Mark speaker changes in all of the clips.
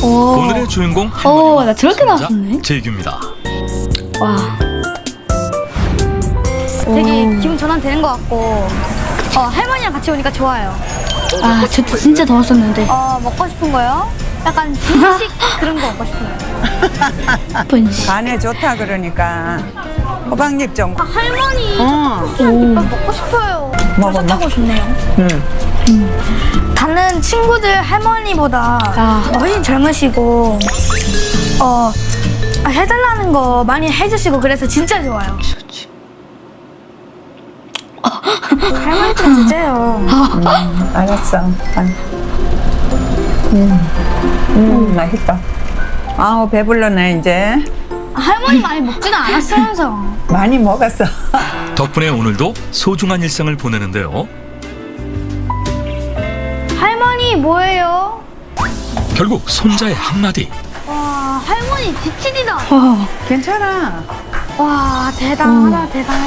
Speaker 1: 오늘의 주인공 할머니와
Speaker 2: 나 저렇게
Speaker 1: 손자
Speaker 2: 나왔네.
Speaker 1: 재규입니다.
Speaker 2: 와.
Speaker 3: 되게 기분 전환되는 것 같고 할머니랑 같이 오니까 좋아요.
Speaker 2: 아, 저 진짜 더웠었는데.
Speaker 3: 먹고 싶은 거요? 약간 분식 그런 거 먹고 싶어요.
Speaker 2: 분식.
Speaker 4: 간에 좋다 그러니까 호박잎 좀.
Speaker 3: 할머니
Speaker 4: 어.
Speaker 3: 김밥 먹고 싶어요.
Speaker 4: 먹어,
Speaker 3: 따뜻하고 좋네요. 다른 친구들 할머니보다 훨씬 젊으시고 해달라는 거 많이 해주시고 그래서 진짜 좋아요. 할머니 좀 주세요.
Speaker 4: 알았어. 맛있다. 아우 배불러네 이제.
Speaker 3: 할머니 많이 먹지는 않았으면서.
Speaker 4: 많이 먹었어.
Speaker 1: 덕분에 오늘도 소중한 일상을 보내는데요.
Speaker 3: 할머니 뭐예요?
Speaker 1: 결국 손자의 한마디.
Speaker 3: 와 할머니 지치디다.
Speaker 4: 괜찮아.
Speaker 3: 와 대단하다 대단해.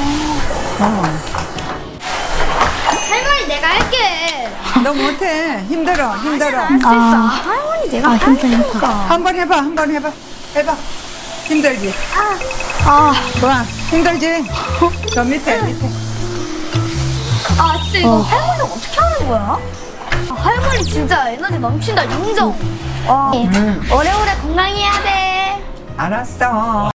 Speaker 3: 할머니 내가 할게.
Speaker 4: 너 못해. 힘들어.
Speaker 3: 할 수 있어. 할머니 내가
Speaker 2: 힘들다.
Speaker 4: 한번 해봐. 해봐. 힘들지. 좋아. 힘들지. 저 밑에.
Speaker 3: 진짜 이거 할머니 어떻게 하는 거야? 할머니 진짜 에너지 넘친다 인정. 오래오래 건강해야 돼.
Speaker 4: 알았어.